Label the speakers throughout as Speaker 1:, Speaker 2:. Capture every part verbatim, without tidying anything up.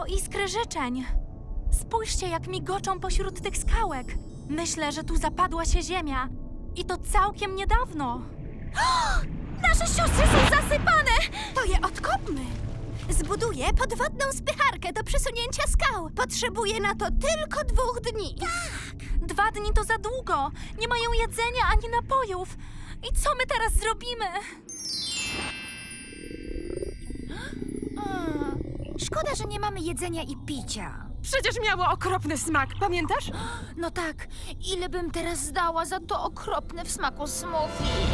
Speaker 1: To iskry życzeń. Spójrzcie, jak migoczą pośród tych skałek. Myślę, że tu zapadła się ziemia. I to całkiem niedawno.
Speaker 2: Nasze siostry są zasypane! To je odkopmy. Zbuduję podwodną spycharkę do przesunięcia skał. Potrzebuję na to tylko dwóch dni.
Speaker 1: Dwa dni to za długo. Nie mają jedzenia ani napojów. I co my teraz zrobimy?
Speaker 2: Szkoda, że nie mamy jedzenia i picia.
Speaker 3: Przecież miało okropny smak, pamiętasz?
Speaker 2: No tak, ile bym teraz zdała za to okropne w smaku smoothie?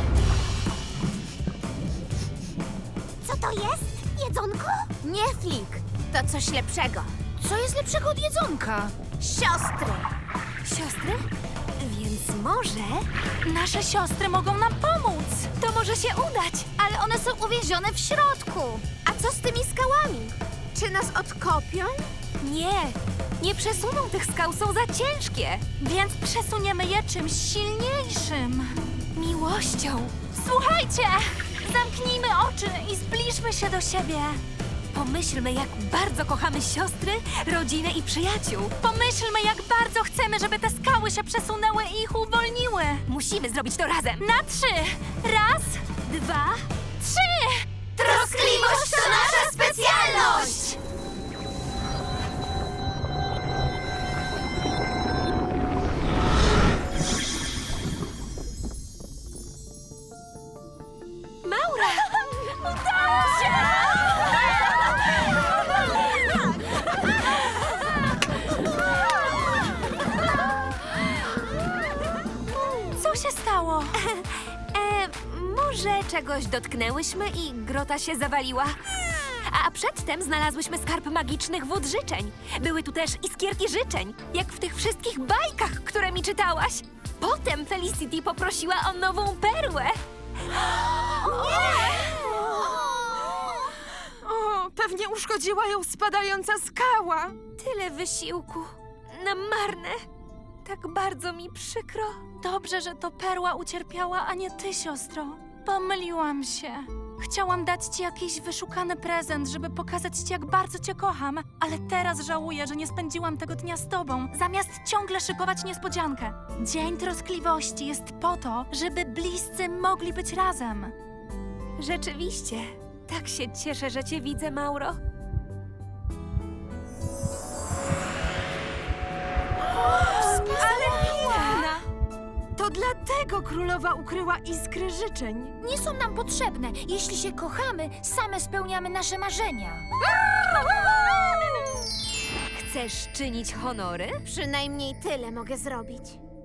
Speaker 2: Co to jest? Jedzonko? Nie, Flik. To coś lepszego. Co jest lepszego od jedzonka? Siostry. Siostry? Więc może...
Speaker 1: Nasze siostry mogą nam pomóc.
Speaker 2: To może się udać, ale one są uwięzione w środku. A co z tymi skałami? Czy nas odkopią?
Speaker 1: Nie, nie przesuną tych skał, są za ciężkie. Więc przesuniemy je czymś silniejszym. Miłością. Słuchajcie! Zamknijmy oczy i zbliżmy się do siebie. Pomyślmy, jak bardzo kochamy siostry, rodzinę i przyjaciół. Pomyślmy, jak bardzo chcemy, żeby te skały się przesunęły i ich uwolniły.
Speaker 2: Musimy zrobić to razem.
Speaker 1: Na trzy! Raz, dwa, trzy!
Speaker 2: Troskliwość to nasza specjalność!
Speaker 1: Maura! Udało się! Co się stało?
Speaker 4: E, może czegoś dotknęłyśmy i grota się zawaliła? A przedtem znalazłyśmy skarb magicznych wód życzeń. Były tu też iskierki życzeń, jak w tych wszystkich bajkach, które mi czytałaś. Potem Felicity poprosiła o nową perłę.
Speaker 3: O, pewnie uszkodziła ją spadająca skała.
Speaker 4: Tyle wysiłku. Na marne. Tak bardzo mi przykro.
Speaker 1: Dobrze, że to perła ucierpiała, a nie ty, siostro. Pomyliłam się. Chciałam dać ci jakiś wyszukany prezent, żeby pokazać ci, jak bardzo cię kocham, ale teraz żałuję, że nie spędziłam tego dnia z tobą, zamiast ciągle szykować niespodziankę. Dzień Troskliwości jest po to, żeby bliscy mogli być razem.
Speaker 4: Rzeczywiście. Tak się cieszę, że cię widzę, Mauro.
Speaker 3: Ale piękna! To dlatego królowa ukryła iskry życzeń.
Speaker 2: Nie są nam potrzebne. Jeśli się kochamy, same spełniamy nasze marzenia.
Speaker 4: Chcesz czynić honory?
Speaker 2: Przynajmniej tyle mogę zrobić.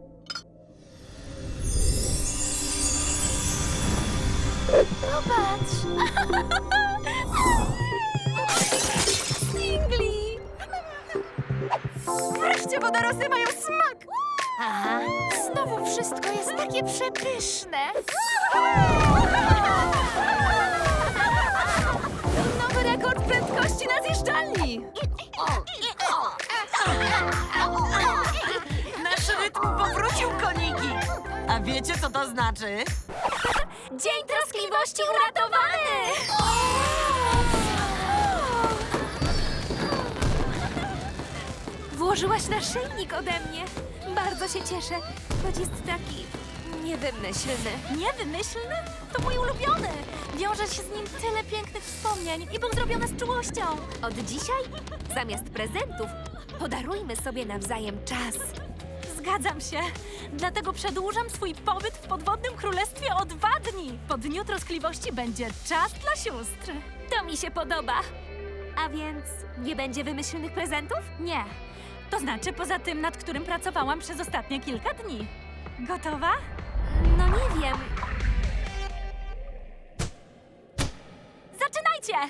Speaker 2: Popatrz!
Speaker 3: Stingli! Wreszcie wodorosty mają smak!
Speaker 2: Aha, znowu wszystko jest takie przepyszne.
Speaker 3: Nowy rekord prędkości na zjeżdżalni! Nasz rytm powrócił, koniki!
Speaker 5: A wiecie, co to znaczy?
Speaker 1: Dzień Troskliwości uratowany!
Speaker 4: Włożyłaś naszyjnik ode mnie. Bardzo się cieszę, choć jest taki niewymyślny.
Speaker 1: Niewymyślny? To mój ulubiony. Wiąże się z nim tyle pięknych wspomnień i był zrobiony z czułością.
Speaker 4: Od dzisiaj, zamiast prezentów, podarujmy sobie nawzajem czas.
Speaker 1: Zgadzam się. Dlatego przedłużam swój pobyt w podwodnym królestwie o dwa dni. Po Dniu Troskliwości będzie czas dla sióstr.
Speaker 4: To mi się podoba. A więc nie będzie wymyślnych prezentów?
Speaker 1: Nie. To znaczy poza tym, nad którym pracowałam przez ostatnie kilka dni. Gotowa?
Speaker 4: No nie wiem.
Speaker 1: Zaczynajcie!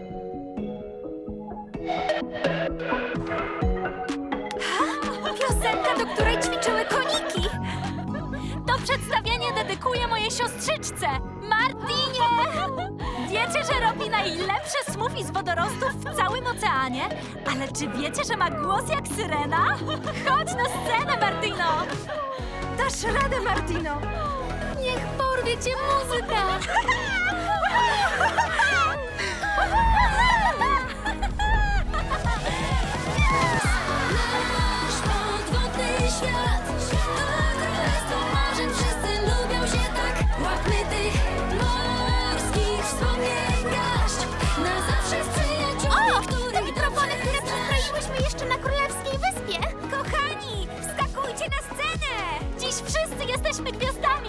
Speaker 4: Piosenka, do której ćwiczyły koniki.
Speaker 1: To przedstawienie dedykuję mojej siostrzyczce, Martinie! Wiecie, że robi najlepsze smoothie z wodorostów w całym oceanie? Ale czy wiecie, że ma głos jak syrena? Chodź na scenę, Martino!
Speaker 3: Dasz radę, Martino!
Speaker 1: Niech porwie cię muzyka!
Speaker 2: byłyśmy jeszcze na Królewskiej Wyspie.
Speaker 4: Kochani, wskakujcie na scenę!
Speaker 1: Dziś wszyscy jesteśmy gwiazdami!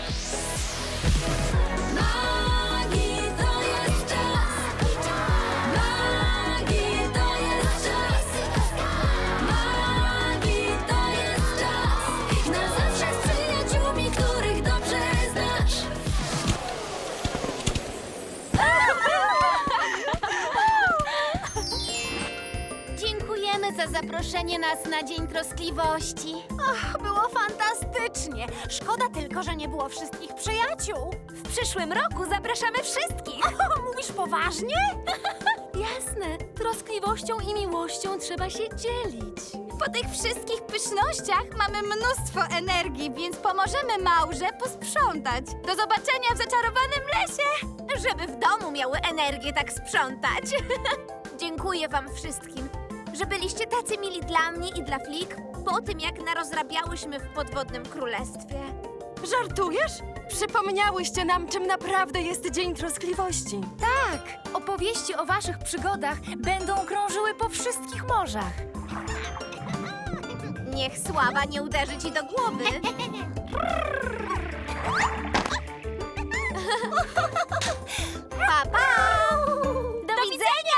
Speaker 4: Magii to jest czas! Magii to jest czas! Magii to jest czas! Na zawsze z przyjaciółmi, których dobrze znasz!
Speaker 2: Dziękujemy za zaproszenie nas na Dzień Troskliwości. Och, było fantastycznie. Szkoda tylko, że nie było wszystkich przyjaciół.
Speaker 4: W przyszłym roku zapraszamy wszystkich!
Speaker 2: O, mówisz poważnie?
Speaker 1: Jasne, troskliwością i miłością trzeba się dzielić. Po tych wszystkich pysznościach mamy mnóstwo energii, więc pomożemy Maurze posprzątać. Do zobaczenia w zaczarowanym lesie!
Speaker 2: Żeby w domu miały energię tak sprzątać. Dziękuję wam wszystkim, że byliście tacy mili dla mnie i dla Flik po tym, jak narozrabiałyśmy w podwodnym królestwie.
Speaker 3: Żartujesz? Przypomniałyście nam, czym naprawdę jest Dzień Troskliwości.
Speaker 1: Tak, opowieści o waszych przygodach będą krążyły po wszystkich morzach.
Speaker 2: Niech sława nie uderzy ci do głowy. Pa, pa!
Speaker 1: Do, widzenia!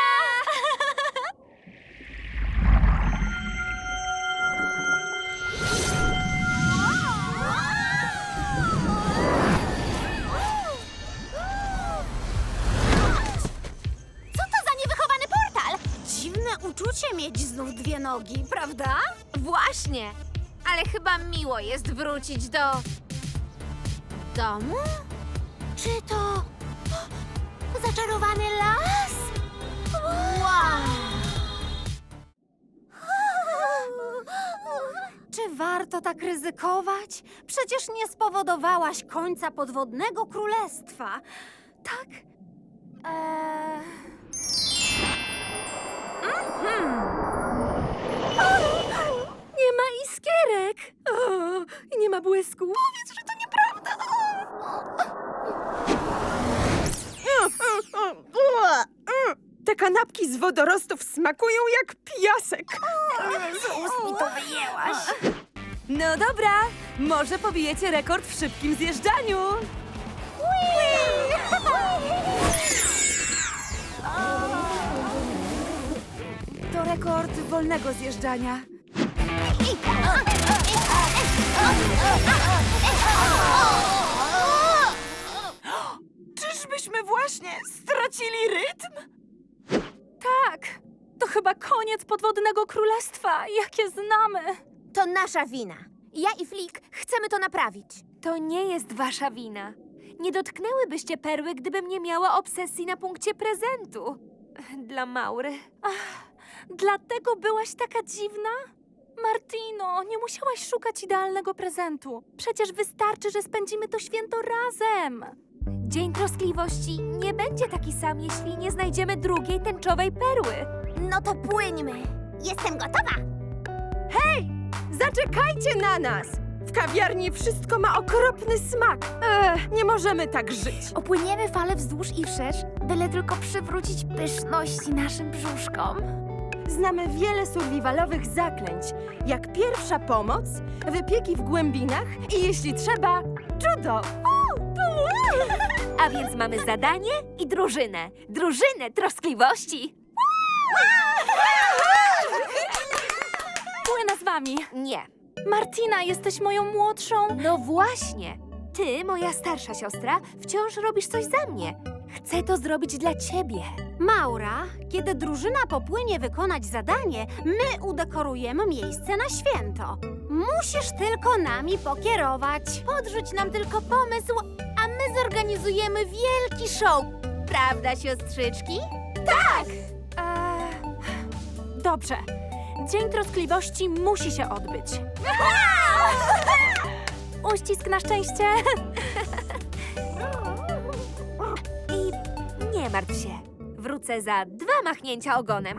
Speaker 2: Co to za niewychowany portal? Dziwne uczucie mieć znów dwie nogi, prawda? Właśnie, ale chyba miło jest wrócić do... domu? Czy to... zaczarowany las? Wow!
Speaker 6: Czy warto tak ryzykować? Przecież nie spowodowałaś końca podwodnego królestwa. Tak? Eee...
Speaker 3: Nie ma iskierek. O, i nie ma błysku. Powiedz, że to nieprawda. Te kanapki z wodorostów smakują jak piasek. No dobra, może pobijecie rekord w szybkim zjeżdżaniu. To rekord wolnego zjeżdżania. Czyżbyśmy właśnie stracili rytm? Tak, to chyba koniec podwodnego królestwa, jakie znamy.
Speaker 2: To nasza wina. Ja i Flik chcemy to naprawić.
Speaker 4: To nie jest wasza wina. Nie dotknęłybyście perły, gdybym nie miała obsesji na punkcie prezentu. Dla Maury.
Speaker 1: Dlatego byłaś taka dziwna? Martino, nie musiałaś szukać idealnego prezentu. Przecież wystarczy, że spędzimy to święto razem.
Speaker 4: Dzień Troskliwości nie będzie taki sam, jeśli nie znajdziemy drugiej tęczowej perły.
Speaker 2: No to płyńmy. Jestem gotowa.
Speaker 3: Zaczekajcie na nas! W kawiarni wszystko ma okropny smak. Ech, nie możemy tak żyć.
Speaker 6: Opłyniemy fale wzdłuż i wszerz, byle tylko przywrócić pyszności naszym brzuszkom.
Speaker 3: Znamy wiele survivalowych zaklęć, jak pierwsza pomoc, wypieki w głębinach i jeśli trzeba, judo.
Speaker 4: A więc mamy zadanie i drużynę. Drużynę Troskliwości.
Speaker 1: Płynę z wami.
Speaker 4: Nie.
Speaker 1: Martina, jesteś moją młodszą.
Speaker 4: No właśnie. Ty, moja starsza siostra, wciąż robisz coś za mnie. Chcę to zrobić dla ciebie.
Speaker 6: Maura, kiedy drużyna popłynie wykonać zadanie, my udekorujemy miejsce na święto. Musisz tylko nami pokierować. Podrzuć nam tylko pomysł, a my zorganizujemy wielki show. Prawda, siostrzyczki?
Speaker 1: Eee, dobrze. Dzień Troskliwości musi się odbyć. Uścisk na szczęście.
Speaker 4: I nie martw się. Wrócę za dwa machnięcia ogonem.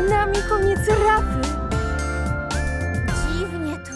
Speaker 3: Przed nami koniec rafy.
Speaker 2: Dziwnie tu.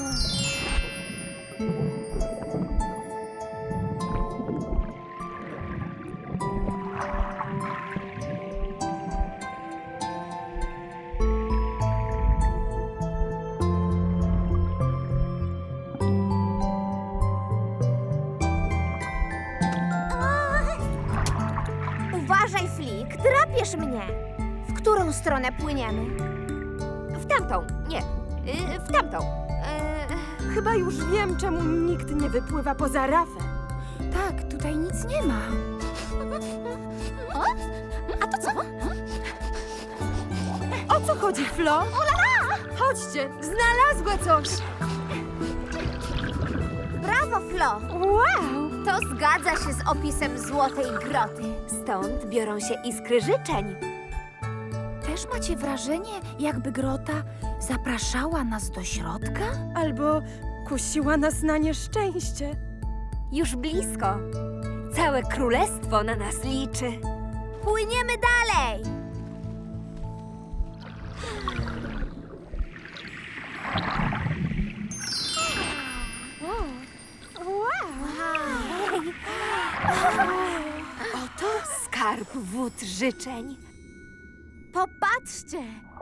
Speaker 2: Uważaj, Flik, drapiesz mnie. W którą stronę płyniemy?
Speaker 4: W tamtą, nie, y, w tamtą. Y,
Speaker 3: Chyba już wiem, czemu nikt nie wypływa poza rafę.
Speaker 2: Tak, tutaj nic nie ma. A to co?
Speaker 3: O co chodzi, Flo? Chodźcie, znalazła coś.
Speaker 2: Brawo, Flo!
Speaker 3: Wow!
Speaker 2: To zgadza się z opisem Złotej Groty.
Speaker 4: stąd biorą się iskry życzeń.
Speaker 2: Też macie wrażenie, jakby grota zapraszała nas do środka?
Speaker 3: Albo kusiła nas na nieszczęście.
Speaker 4: Już blisko. Całe królestwo na nas liczy.
Speaker 2: Płyniemy dalej!
Speaker 4: Oto skarb wód życzeń.
Speaker 2: Popatrzcie!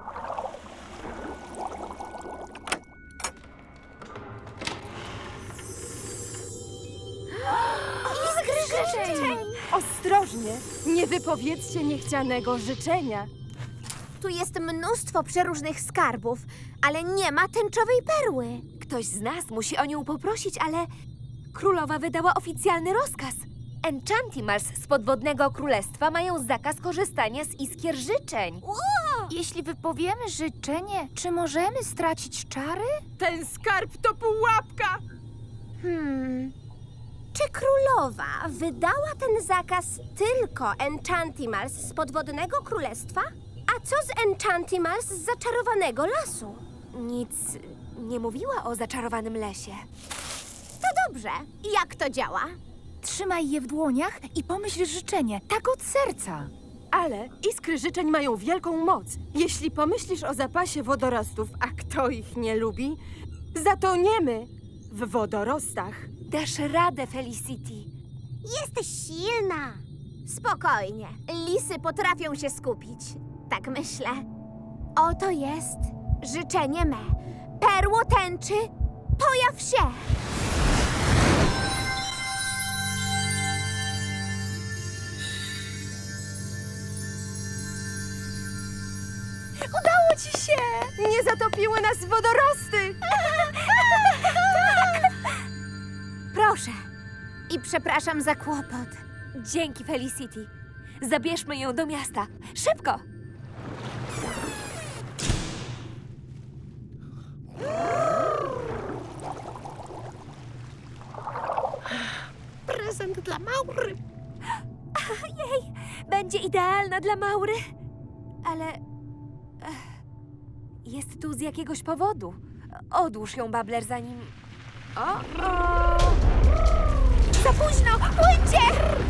Speaker 2: Iskry życzeń!
Speaker 3: Ostrożnie, nie wypowiedzcie niechcianego życzenia.
Speaker 2: Tu jest mnóstwo przeróżnych skarbów, ale nie ma tęczowej perły.
Speaker 4: Ktoś z nas musi o nią poprosić, ale królowa wydała oficjalny rozkaz. Enchantimals z podwodnego królestwa mają zakaz korzystania z iskier życzeń.
Speaker 2: Jeśli wypowiemy życzenie, czy możemy stracić czary?
Speaker 3: Ten skarb to pułapka.
Speaker 2: Hmm. Czy królowa wydała ten zakaz tylko Enchantimals z podwodnego królestwa? A co z Enchantimals z zaczarowanego lasu?
Speaker 4: Nic nie mówiła o zaczarowanym lesie.
Speaker 2: To dobrze. Jak to działa?
Speaker 7: Trzymaj je w dłoniach i pomyśl życzenie, tak od serca.
Speaker 3: Ale iskry życzeń mają wielką moc. Jeśli pomyślisz o zapasie wodorostów, a kto ich nie lubi, zatoniemy w wodorostach.
Speaker 4: Dasz radę, Felicity.
Speaker 2: Jesteś silna. Spokojnie. Lisy potrafią się skupić. Tak myślę. Oto jest życzenie me. Perło tęczy, pojaw się!
Speaker 3: Udało ci się! Nie zatopiły nas wodorosty!
Speaker 2: Proszę. I przepraszam za kłopot.
Speaker 4: Dzięki, Felicity. Zabierzmy ją do miasta. Szybko!
Speaker 7: Prezent dla Maury.
Speaker 4: Jej, będzie idealna dla Maury. Ale ech, jest tu z jakiegoś powodu. Odłóż ją, Babler, zanim... O, o!
Speaker 2: Za późno! Płyńcie!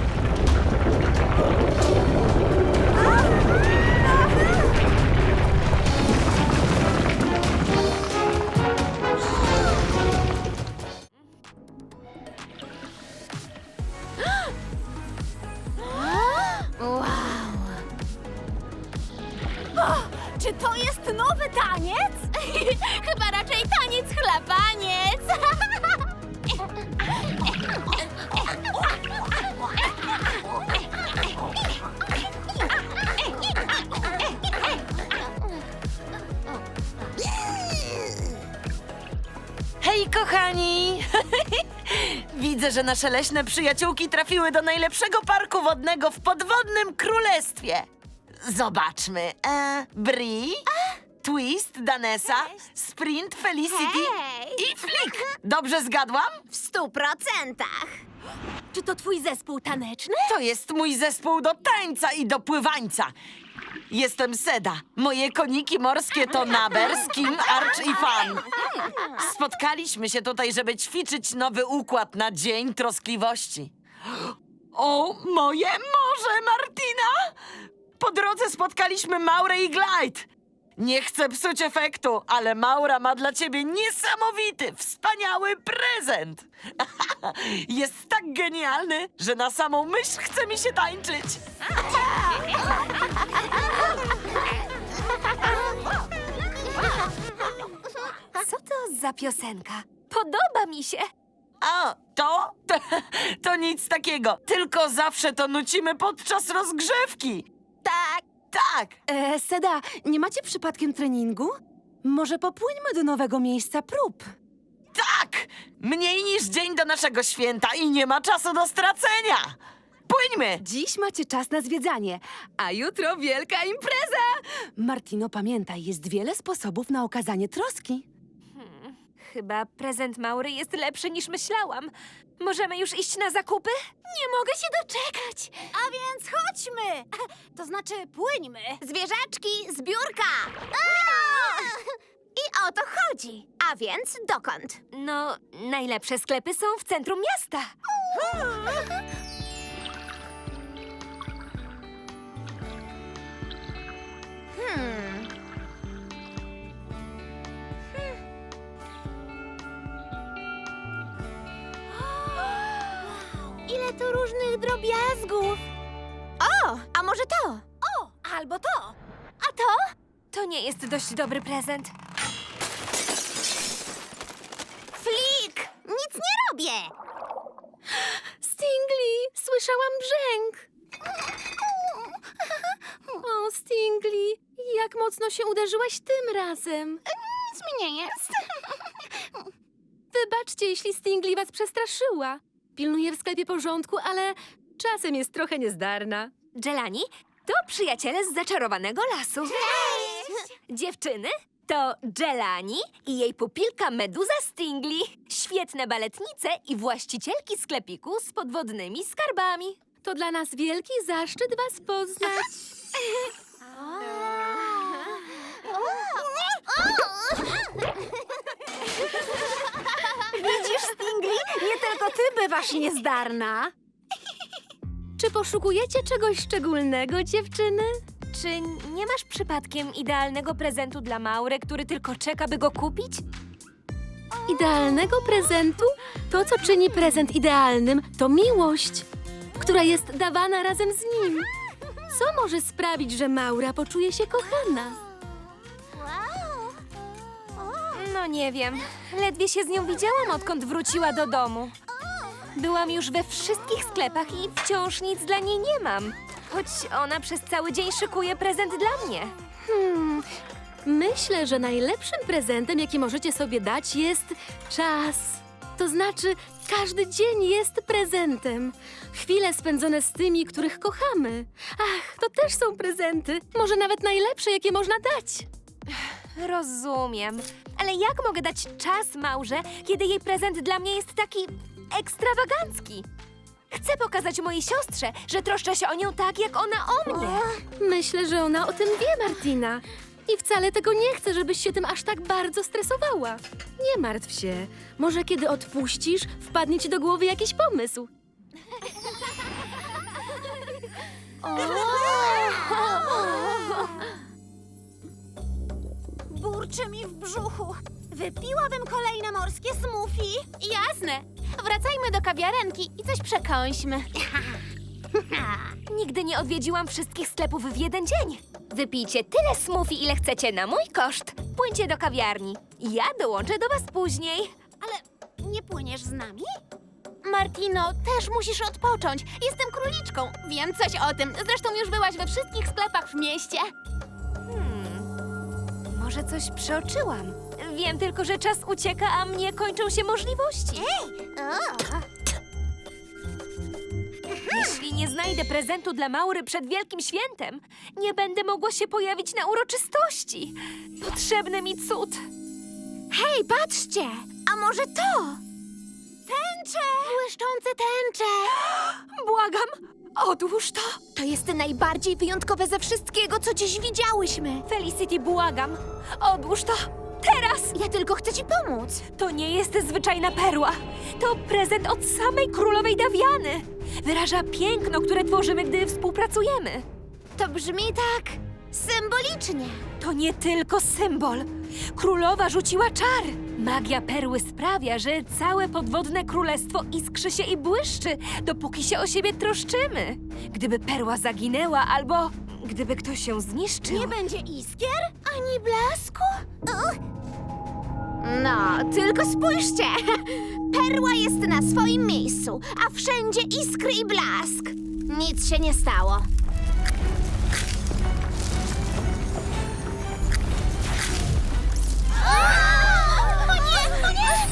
Speaker 6: Czy to jest nowy taniec? Chyba raczej taniec chlapaniec.
Speaker 5: Hej, kochani! Widzę, że nasze leśne przyjaciółki trafiły do najlepszego parku wodnego w podwodnym królestwie. Zobaczmy. E, Bri, Twist, Danesa, Sprint, Felicity
Speaker 2: Hej!
Speaker 5: i Flick. Dobrze zgadłam?
Speaker 2: W stu procentach.
Speaker 6: Czy to twój zespół taneczny?
Speaker 5: To jest mój zespół do tańca i do pływańca. Jestem Seda. Moje koniki morskie to Naber, Skim, Arch i Fan. Spotkaliśmy się tutaj, żeby ćwiczyć nowy układ na Dzień Troskliwości. O, moje morze, Martina! Po drodze spotkaliśmy Maurę i Glide. Nie chcę psuć efektu, ale Maura ma dla ciebie niesamowity, wspaniały prezent. Jest tak genialny, że na samą myśl chce mi się tańczyć.
Speaker 4: Co to za piosenka? Podoba mi się.
Speaker 5: A, to? to? To nic takiego, tylko zawsze to nucimy podczas rozgrzewki.
Speaker 3: Tak.
Speaker 5: Tak.
Speaker 3: E, Seda, nie macie przypadkiem treningu? Może popłyńmy do nowego miejsca prób.
Speaker 5: Tak! Mniej niż dzień do naszego święta i nie ma czasu do stracenia! Płyńmy!
Speaker 3: Dziś macie czas na zwiedzanie, a jutro wielka impreza! Martino, pamiętaj, jest wiele sposobów na okazanie troski.
Speaker 4: Chyba prezent Maury jest lepszy niż myślałam. Możemy już iść na zakupy?
Speaker 6: Nie mogę się doczekać. A więc chodźmy. To znaczy płyńmy.
Speaker 2: Zwierzaczki, zbiórka! I o to chodzi. A więc dokąd?
Speaker 4: No, najlepsze sklepy są w centrum miasta.
Speaker 2: Hmm.
Speaker 6: Ile tu różnych drobiazgów.
Speaker 2: O, a może to?
Speaker 6: O, albo to.
Speaker 4: A to? To nie jest dość dobry prezent.
Speaker 2: Flik! Nic nie robię!
Speaker 3: Stingli, słyszałam brzęk. O, Stingli, jak mocno się uderzyłaś tym razem.
Speaker 6: Nic mi nie jest.
Speaker 3: Wybaczcie, jeśli Stingli was przestraszyła. Pilnuję w sklepie porządku, ale czasem jest trochę niezdarna.
Speaker 4: Jelani to przyjaciele z zaczarowanego lasu.
Speaker 6: Cześć!
Speaker 4: Dziewczyny to Jelani i jej pupilka Meduza Stingli. Świetne baletnice i właścicielki sklepiku z podwodnymi skarbami.
Speaker 3: To dla nas wielki zaszczyt was poznać.
Speaker 6: Widzisz, Stingli? Nie tylko ty bywasz niezdarna.
Speaker 3: Czy poszukujecie czegoś szczególnego, dziewczyny?
Speaker 4: Czy nie masz przypadkiem idealnego prezentu dla Maury, który tylko czeka, by go kupić?
Speaker 3: Idealnego prezentu? To, co czyni prezent idealnym, to miłość, która jest dawana razem z nim. Co może sprawić, że Maura poczuje się kochana?
Speaker 4: No nie wiem. Ledwie się z nią widziałam, odkąd wróciła do domu. Byłam już we wszystkich sklepach i wciąż nic dla niej nie mam. Choć ona przez cały dzień szykuje prezent dla mnie.
Speaker 3: Hmm, myślę, że najlepszym prezentem, jaki możecie sobie dać, jest czas. To znaczy, każdy dzień jest prezentem. Chwile spędzone z tymi, których kochamy. Ach, to też są prezenty. Może nawet najlepsze, jakie można dać.
Speaker 4: Rozumiem. Ale jak mogę dać czas Maurze, kiedy jej prezent dla mnie jest taki ekstrawagancki? Chcę pokazać mojej siostrze, że troszczę się o nią tak, jak ona o mnie.
Speaker 3: Myślę, że ona o tym wie, Martina. I wcale tego nie chce, żebyś się tym aż tak bardzo stresowała. Nie martw się. Może kiedy odpuścisz, wpadnie ci do głowy jakiś pomysł.
Speaker 6: Burczy mi w brzuchu. Wypiłabym kolejne morskie smoothie. Jasne. Wracajmy do kawiarenki i coś przekąśmy.
Speaker 4: Nigdy nie odwiedziłam wszystkich sklepów w jeden dzień. Wypijcie tyle smoothie, ile chcecie na mój koszt. Płyńcie do kawiarni. Ja dołączę do was później.
Speaker 6: Ale nie płyniesz z nami? Martino, też musisz odpocząć. Jestem króliczką. Wiem coś o tym. Zresztą już byłaś we wszystkich sklepach w mieście.
Speaker 4: Może coś przeoczyłam. Wiem tylko, że czas ucieka, a mnie kończą się możliwości. Jeśli nie znajdę prezentu dla Maury przed Wielkim Świętem, nie będę mogła się pojawić na uroczystości. Potrzebny mi cud.
Speaker 2: Hej, patrzcie! A może to?
Speaker 6: Tęcze! Błyszczące tęcze!
Speaker 4: Błagam, odłóż to.
Speaker 2: To jest najbardziej wyjątkowe ze wszystkiego, co dziś widziałyśmy.
Speaker 4: Felicity, błagam, odłóż to. Teraz!
Speaker 2: Ja tylko chcę ci pomóc.
Speaker 4: To nie jest zwyczajna perła. To prezent od samej królowej Dawiany. Wyraża piękno, które tworzymy, gdy współpracujemy.
Speaker 2: To brzmi tak Symbolicznie.
Speaker 4: To nie tylko symbol. Królowa rzuciła czar. Magia perły sprawia, że całe podwodne królestwo iskrzy się i błyszczy, dopóki się o siebie troszczymy. Gdyby perła zaginęła albo gdyby ktoś ją zniszczył...
Speaker 2: Nie będzie iskier ani blasku? Uch. No, tylko spójrzcie. Perła jest na swoim miejscu, a wszędzie iskry i blask. Nic się nie stało. O nie, o nie!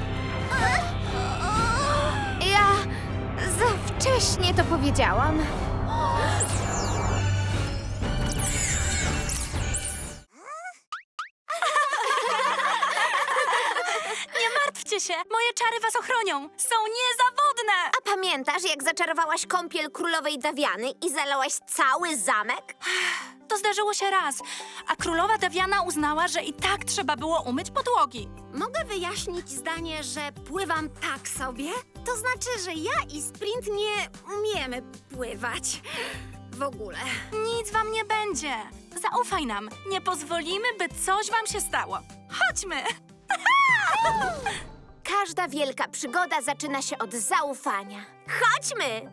Speaker 2: Ja za wcześnie to powiedziałam.
Speaker 1: Nie martwcie się, moje czary was ochronią. Są niezawodne.
Speaker 2: A pamiętasz, jak zaczarowałaś kąpiel królowej Dawiany i zalałaś cały zamek?
Speaker 1: To zdarzyło się raz, a królowa Dawiana uznała, że i tak trzeba było umyć podłogi.
Speaker 6: Mogę wyjaśnić zdanie, że pływam tak sobie? To znaczy, że ja i Sprint nie umiemy pływać. W ogóle.
Speaker 1: Nic wam nie będzie. Zaufaj nam. Nie pozwolimy, by coś wam się stało. Chodźmy.
Speaker 2: Każda wielka przygoda zaczyna się od zaufania. Chodźmy!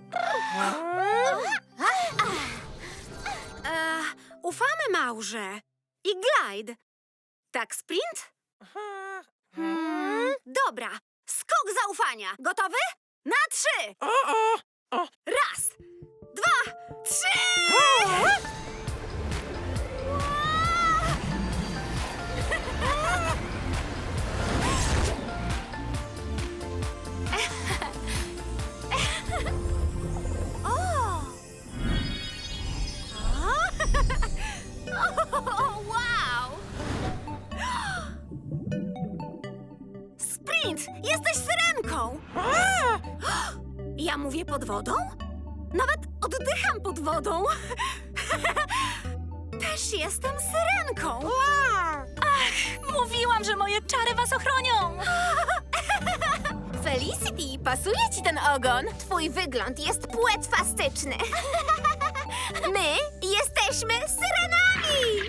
Speaker 6: E, ufamy Maurze. I Glide. Tak, Sprint? Hmm, dobra. Skok zaufania. Gotowy? Na trzy! Raz, dwa, trzy! O, wow! Sprint! Jesteś syrenką! Ja mówię pod wodą? Nawet oddycham pod wodą. Też jestem syrenką.
Speaker 1: Mówiłam, że moje czary was ochronią.
Speaker 2: Felicity, pasuje ci ten ogon? Twój wygląd jest płetwastyczny. My jesteśmy syrenami!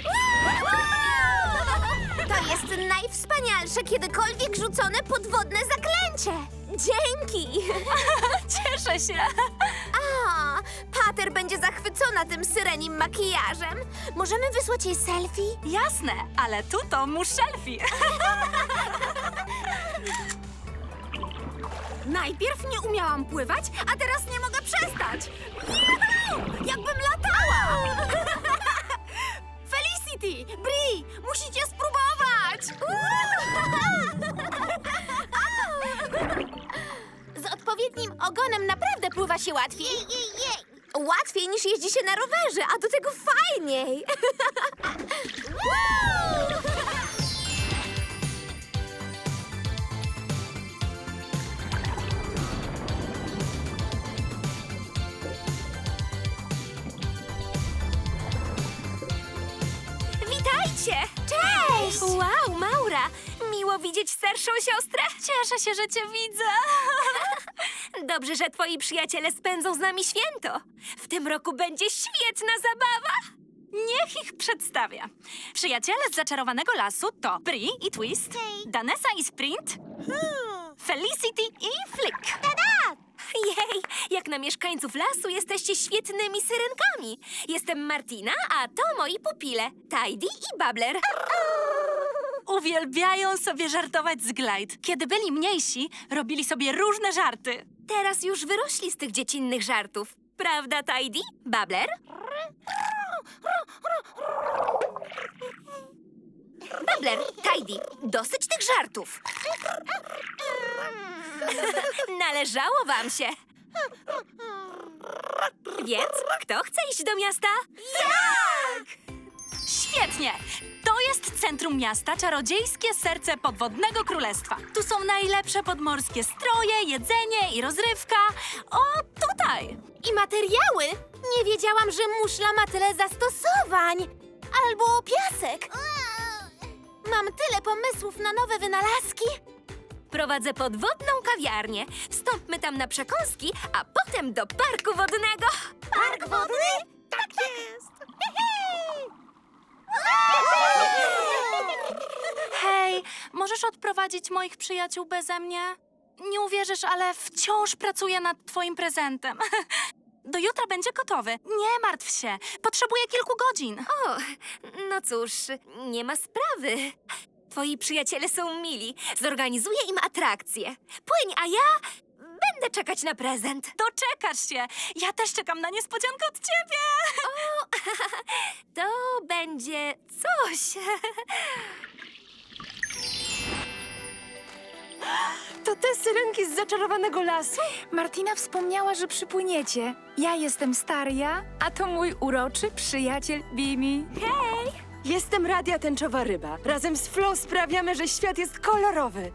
Speaker 2: To jest najwspanialsze kiedykolwiek rzucone podwodne zaklęcie. Dzięki!
Speaker 1: Cieszę się.
Speaker 2: A, Pater będzie zachwycona tym syrenim makijażem. Możemy wysłać jej selfie?
Speaker 1: Jasne, ale tu to muszelfi.
Speaker 6: Najpierw nie umiałam pływać, a teraz nie mogę przestać. Juhu! Jakbym latała! Felicity, Bri, musicie spróbować!
Speaker 2: Z odpowiednim ogonem naprawdę pływa się łatwiej. Łatwiej niż jeździ się na rowerze, a do tego fajniej.
Speaker 4: Witajcie!
Speaker 2: Cześć!
Speaker 4: Wow, Maura! Miło widzieć starszą siostrę.
Speaker 1: Cieszę się, że cię widzę.
Speaker 4: Dobrze, że twoi przyjaciele spędzą z nami święto. W tym roku będzie świetna zabawa.
Speaker 1: Niech ich przedstawię. Przyjaciele z zaczarowanego lasu to Bri i Twist, Danessa i Sprint, Felicity i Flick.
Speaker 4: Jej, jak na mieszkańców lasu jesteście świetnymi syrenkami. Jestem Martina, a to moi pupile, Tidy i Babbler.
Speaker 1: Uwielbiają sobie żartować z Glide. Kiedy byli mniejsi, robili sobie różne żarty.
Speaker 4: Teraz już wyrośli z tych dziecinnych żartów. Prawda, Tidy? Babbler? Babbler, Tidy, dosyć tych żartów. Należało wam się. Więc kto chce iść do miasta?
Speaker 1: Tak! Świetnie! To jest centrum miasta, czarodziejskie serce podwodnego królestwa. Tu są najlepsze podmorskie stroje, jedzenie i rozrywka. O, tutaj!
Speaker 2: I materiały. Nie wiedziałam, że muszla ma tyle zastosowań. Albo piasek. Mam tyle pomysłów na nowe wynalazki.
Speaker 4: Prowadzę podwodną kawiarnię. Wstąpmy tam na przekąski, a potem do parku wodnego.
Speaker 2: Park wodny? Tak jest.
Speaker 1: możesz odprowadzić moich przyjaciół beze mnie? Nie uwierzysz, ale wciąż pracuję nad twoim prezentem. Do jutra będzie gotowy. Nie martw się. Potrzebuję kilku godzin.
Speaker 4: O, no cóż, nie ma sprawy. Twoi przyjaciele są mili. Zorganizuję im atrakcję. Płyń, a ja będę czekać na prezent.
Speaker 1: Doczekasz się. Ja też czekam na niespodziankę od ciebie.
Speaker 4: To będzie coś.
Speaker 8: To te syrenki z zaczarowanego lasu?
Speaker 7: Martina wspomniała, że przypłyniecie. Ja jestem Staria, a to mój uroczy przyjaciel Bimi.
Speaker 8: Jestem Radia Tęczowa Ryba. Razem z Flo sprawiamy, że świat jest kolorowy.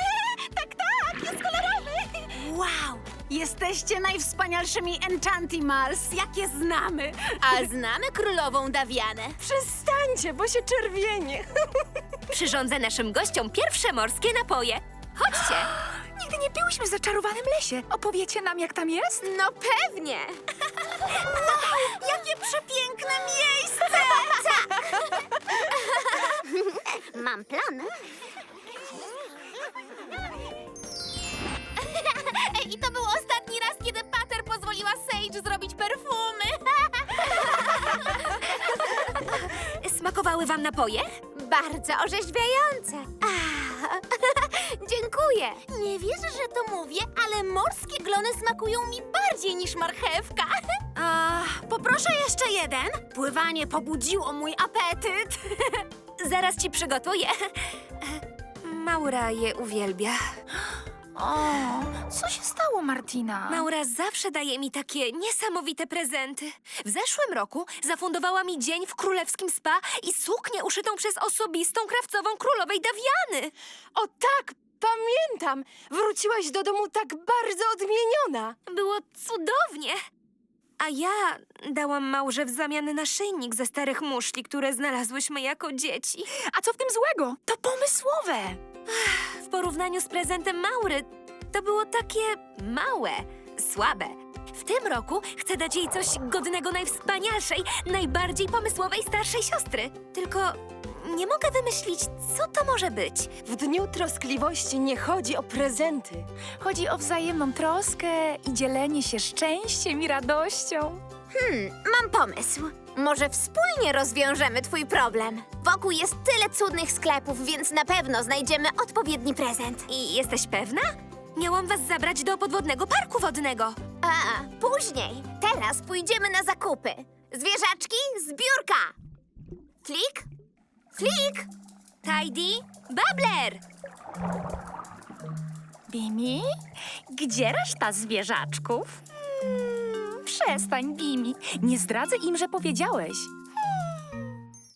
Speaker 6: Wow! Jesteście najwspanialszymi Enchantimals, jakie znamy.
Speaker 2: A znamy królową Dawianę.
Speaker 8: Przestańcie, bo się czerwienie.
Speaker 4: Przyrządzę naszym gościom pierwsze morskie napoje. Chodźcie.
Speaker 7: Nigdy nie byłyśmy w zaczarowanym lesie. Opowiecie nam, jak tam jest?
Speaker 2: No pewnie.
Speaker 6: Jakie przepiękne miejsce!
Speaker 2: Mam plan. I to był ostatni raz, kiedy Pater pozwoliła Sage zrobić perfumy.
Speaker 4: Smakowały wam napoje?
Speaker 2: Bardzo orzeźwiające. Ah, dziękuję. Nie wierzę, że to mówię, ale morskie glony smakują mi bardziej niż marchewka.
Speaker 6: A, poproszę jeszcze jeden. Pływanie pobudziło mój apetyt.
Speaker 4: Zaraz ci przygotuję. Maura je uwielbia.
Speaker 7: O, co się stało, Martina?
Speaker 4: Maura zawsze daje mi takie niesamowite prezenty. W zeszłym roku zafundowała mi dzień w królewskim spa i suknię uszytą przez osobistą krawcową królowej Dawiany.
Speaker 8: O tak, pamiętam. Wróciłaś do domu tak bardzo odmieniona.
Speaker 4: Było cudownie. A ja dałam Maurze w zamian naszyjnik ze starych muszli, które znalazłyśmy jako dzieci.
Speaker 7: A co w tym złego? To pomysłowe.
Speaker 4: W porównaniu z prezentem Maury to było takie małe, słabe. W tym roku chcę dać jej coś godnego najwspanialszej, najbardziej pomysłowej starszej siostry. Tylko nie mogę wymyślić, co to może być.
Speaker 8: W dniu troskliwości nie chodzi o prezenty.
Speaker 7: Chodzi o wzajemną troskę i dzielenie się szczęściem i radością.
Speaker 2: Mam pomysł. Może wspólnie rozwiążemy twój problem. Wokół jest tyle cudnych sklepów, więc na pewno znajdziemy odpowiedni prezent.
Speaker 4: I jesteś pewna? Miałam was zabrać do podwodnego parku wodnego.
Speaker 2: A, później. Teraz pójdziemy na zakupy. Zwierzaczki, zbiórka. Klik, klik.
Speaker 4: Tidy, Babbler!
Speaker 7: Bimi? Gdzie reszta zwierzaczków? Hmm, przestań, Bimi. Nie zdradzę im, że powiedziałeś.